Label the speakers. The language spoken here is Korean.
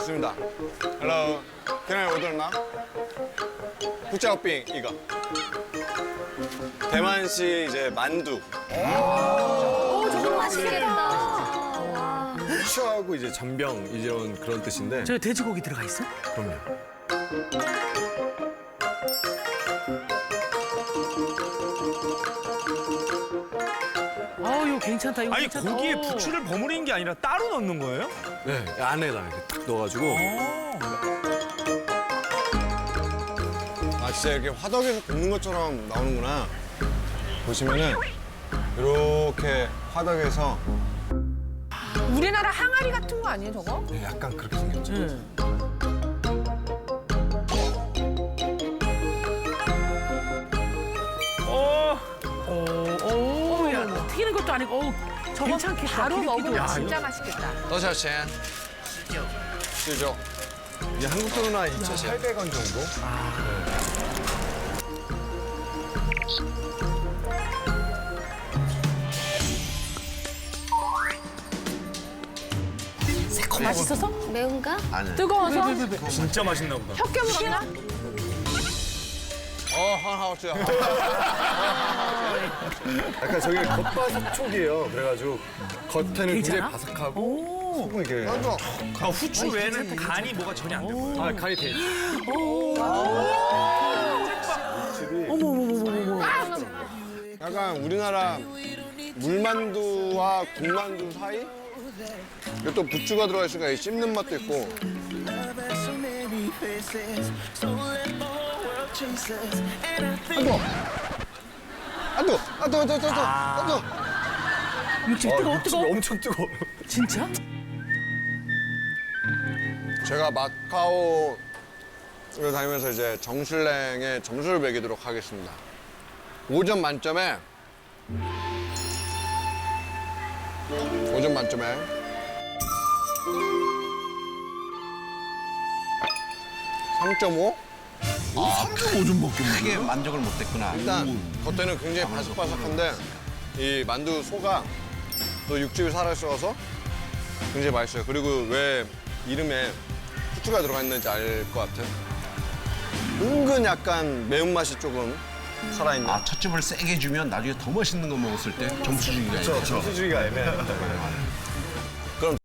Speaker 1: 있습니다. Hello. Can I order now? 후짜오빙 이거. 대만식 이제 만두.
Speaker 2: 저거 맛있겠다.
Speaker 1: 후추하고 이제 전병 이런 그런 뜻인데.
Speaker 3: 저 돼지고기 들어가 있어?
Speaker 1: 그럼요.
Speaker 3: 이거 괜찮다. 이거
Speaker 4: 아니
Speaker 3: 괜찮다.
Speaker 4: 고기에 부추를 버무리는 게 아니라 따로 넣는 거예요?
Speaker 1: 네, 안에다 이렇게 딱 넣어가지고. 아, 진짜 이렇게 화덕에서 굽는 것처럼 나오는구나. 보시면은 이렇게 화덕에서
Speaker 2: 우리나라 항아리 같은 거 아니에요, 저거?
Speaker 1: 네, 약간 그렇게 생겼죠.
Speaker 3: 야, 튀기는 것도 아니고, 저거 괜찮겠다.
Speaker 2: 바로
Speaker 3: 기름기도.
Speaker 2: 먹으면 진짜 맛있겠다.
Speaker 1: 多少钱? 19. 이게 한국 돈으로 한 2,800원 정도?
Speaker 3: 맛있어서?
Speaker 2: 매운가?
Speaker 1: 아니.
Speaker 2: 뜨거워서?
Speaker 4: 진짜 맛있나 보다.
Speaker 2: 혀 깨물었나?
Speaker 1: 很好吃. 약간 저게 겉바속촉이에요. 그래가지고 겉에는 굉장히
Speaker 3: 괜찮아?
Speaker 1: 바삭하고 속은 이렇게.
Speaker 4: 아, 후추 외에는 간이 뭐가 전혀 안 된 거예요.
Speaker 1: 아, 간이 돼. 약간 우리나라 물만두와 국만두 사이? 이게 또 부추가 들어가 있으니까 이 씹는 맛도 있고. 아또.
Speaker 3: 육즙 뜨거워.
Speaker 1: 엄청 뜨거워.
Speaker 3: 진짜?
Speaker 1: 제가 마카오를 다니면서 이제 정슐랭에 점수를 매기도록 하겠습니다. 5점 만점에 5점 만점에 3.5?
Speaker 5: 3.5점밖에 크게 만족을 못했구나.
Speaker 1: 일단 겉에는 굉장히 바삭바삭한데 이 만두 소가 또 육즙이 살아있어서 굉장히 맛있어요. 그리고 왜 이름에 후추가 들어가 있는지 알 것 같은 은근 약간 매운맛이 조금 살아있는.
Speaker 5: 아, 첫 점을 세게 주면 나중에 더 멋있는 거 먹었을 때 점수 주기가
Speaker 1: 점수 주기가 애매해요.